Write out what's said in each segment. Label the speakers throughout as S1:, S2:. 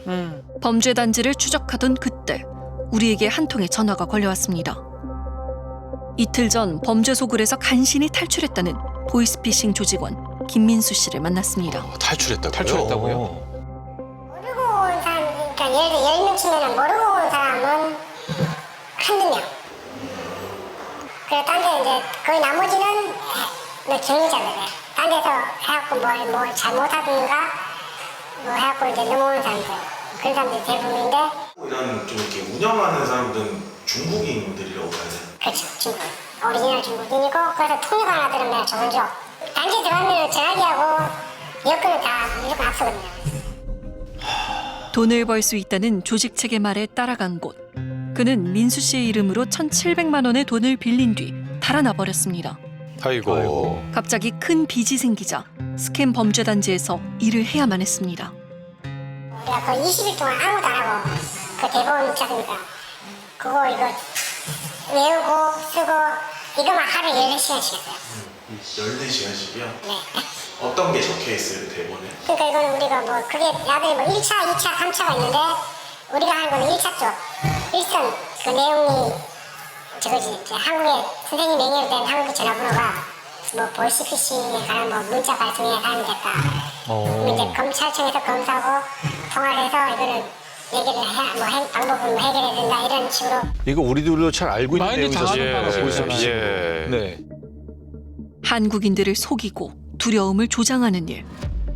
S1: 범죄 단지를 추적하던 그때 우리에게 한 통의 전화가 걸려왔습니다. 이틀 전 범죄 소굴에서 간신히 탈출했다는 보이스피싱 조직원 김민수 씨를 만났습니다.
S2: 탈출했다고요?
S3: 모르고 온 사람, 그러니까 예를 들어 10명 치면은 모르고 온 사람은 한두 명. 그래, 딴 데 이제 거의 나머지는 뭐 경리자들이에요. 딴 데서 해갖고 뭘 잘못하든가 뭐 해갖고 이제 넘어오는 사람들. 그런 사람들이 대부분인데.
S4: 이런 좀 이렇게 운영하는 사람들은 중국인들이라고 봐야 돼요.
S3: 그렇죠, 중국. 오리지널 중국인이고, 그래서 통역 하나 들으면 좋은 쪽. 단지 들어가면 전화기하고 여권은 다 무조건 앞서거든요.
S1: 돈을 벌 수 있다는 조직 측의 말에 따라간 곳. 그는 민수 씨의 이름으로 1,700만 원의 돈을 빌린 뒤 달아나 버렸습니다.
S2: 아이고.
S1: 갑자기 큰 빚이 생기자 스캠 범죄 단지에서 일을 해야만 했습니다.
S3: 우리가 거의 20일 동안 아무도 안 하고 그 대본 있지 않습니까? 그거 이거 외우고 쓰고 이거만 하루 14시간씩 했어요.
S4: 14시간씩이요?
S3: 네.
S4: 어떤 게 적혀 있어요, 그 대본에?
S3: 그러니까 이거는 우리가 뭐 그게 나중에 뭐 1차, 2차, 3차가 있는데 우리가 하는 거는 1차 쪽. 1선 그 내용이 저거지. 이제 한국에 선생님 명예로 된 한국의 전화번호가 뭐 보이스피싱에 관한 뭐 문자 발송에 사용됐다. 그럼 이제 검찰청에서 검사하고 통화를 해서 이거는 얘기를 해, 방법을 뭐 해결해야 된다 이런 식으로.
S2: 이거 우리들도 잘 알고 있는
S5: 많이
S2: 내용이잖아요.
S5: 당하는
S2: 보이스피싱.
S5: 예. 네.
S1: 한국인들을 속이고 두려움을 조장하는 일.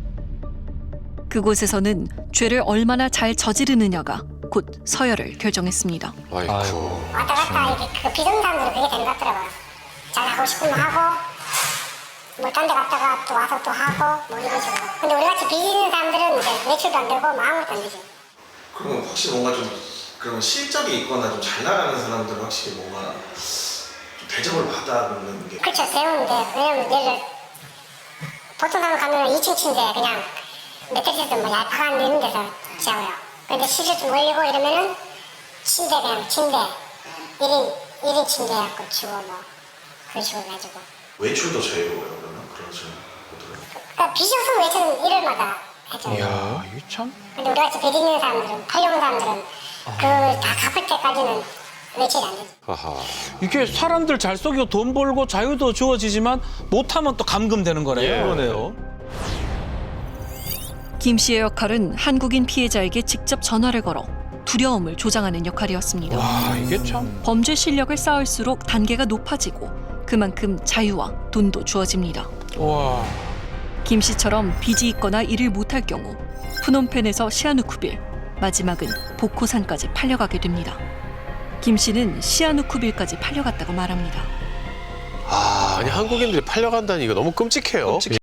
S1: 그곳에서는 죄를 얼마나 잘 저지르느냐가 곧 서열을 결정했습니다.
S2: 아이고.
S3: 왔다 갔다 이렇게 그 비정상들은 그게 되는 것 같더라고요. 잘하고 싶으면 하고 뭐 딴 데 갔다가 또 와서 또 하고 뭐 이런 식으로. 근데 우리같이 빚있는 사람들은 이제 매출도 안 되고 뭐 아무것도 안 되지.
S4: 그러면 확실히 뭔가 좀 그런 실적이 있거나 좀 잘 나가는 사람들은 확실히 뭔가 좀 대접을 받아보는 게.
S3: 그렇죠. 세우는데 왜냐면 예를 들어 보통 사람 가면 2층 침대 그냥 매트리스도 뭐 얄팍한 이런 데서 자고요. 근데 실을 좀 올리고 이러면은 침대 그냥 침대 1인 침대 갖고 치고 뭐 그런 식으로 해가지고.
S4: 외출도 자유로워요, 그러면? 그런 식으로.
S3: 그러니까 빚이 없으면 외출은 일요일마다 했죠.
S5: 이야, 이게 참.
S3: 근데 우리같이 빚 있는 사람들은 팔려온 사람들은 그 다 갚을 때까지는 외출이 안 되지.
S2: 아하.
S5: 이게 사람들 잘 속이고 돈 벌고 자유도 주어지지만 못하면 또 감금되는 거네요.
S2: 그러네요.
S1: 김 씨의 역할은 한국인 피해자에게 직접 전화를 걸어 두려움을 조장하는 역할이었습니다.
S5: 와, 이게 참.
S1: 범죄 실력을 쌓을수록 단계가 높아지고 그만큼 자유와 돈도 주어집니다.
S5: 와.
S1: 김 씨처럼 빚이 있거나 일을 못할 경우 푸놈펜에서 시아누쿠빌, 마지막은 보코산까지 팔려가게 됩니다. 김 씨는 시아누쿠빌까지 팔려갔다고 말합니다.
S2: 아니 한국인들이 팔려간다니 이거 너무 끔찍해요.